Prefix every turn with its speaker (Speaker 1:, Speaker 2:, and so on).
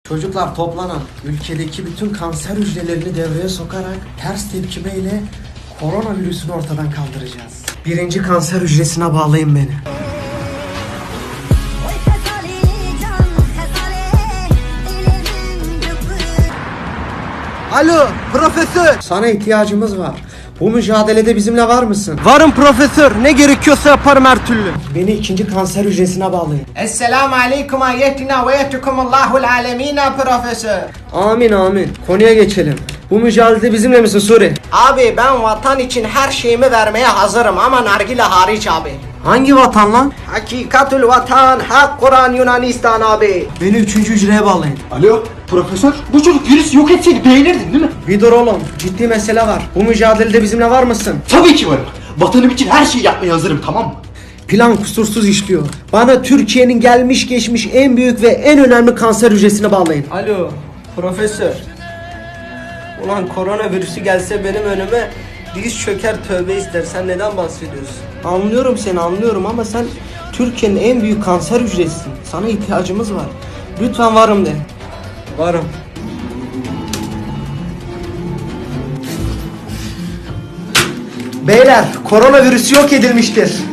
Speaker 1: Çocuklar toplanan ülkedeki bütün kanser hücrelerini devreye sokarak ters tepkimeyle koronavirüsünü ortadan kaldıracağız. Birinci kanser hücresine bağlayın beni. Alo profesör. Sana ihtiyacımız var. Bu mücadelede bizimle var mısın?
Speaker 2: Varım profesör. Ne gerekiyorsa yaparım her türlü.
Speaker 1: Beni ikinci kanser hücresine bağlayın.
Speaker 3: Esselamu aleyküm ayettina ve yetukumullahul alemina profesör.
Speaker 1: Amin amin. Konuya geçelim. Bu mücadelede bizimle misin Suri?
Speaker 3: Abi ben vatan için her şeyimi vermeye hazırım ama nargile hariç abi.
Speaker 1: Hangi vatan lan?
Speaker 3: Hakikatul vatan, hak Kur'an Yunanistan abi.
Speaker 1: Beni üçüncü hücreye bağlayın.
Speaker 4: Alo profesör, bu çocuk virüs yok etseydi beğenirdin değil mi?
Speaker 1: Bir dur oğlum. Ciddi mesele var. Bu mücadelede bizimle var mısın?
Speaker 4: Tabii ki varım. Vatanım için her şeyi yapmaya hazırım, tamam mı?
Speaker 1: Plan kusursuz işliyor. Bana Türkiye'nin gelmiş geçmiş en büyük ve en önemli kanser hücresine bağlayın.
Speaker 2: Alo profesör. Ulan koronavirüsü gelse benim önüme diz çöker tövbe ister. Sen neden bahsediyorsun?
Speaker 1: Anlıyorum seni anlıyorum ama sen Türkiye'nin en büyük kanser hücresisin. Sana ihtiyacımız var. Lütfen varım de.
Speaker 2: Varım.
Speaker 1: Beyler koronavirüs yok edilmiştir.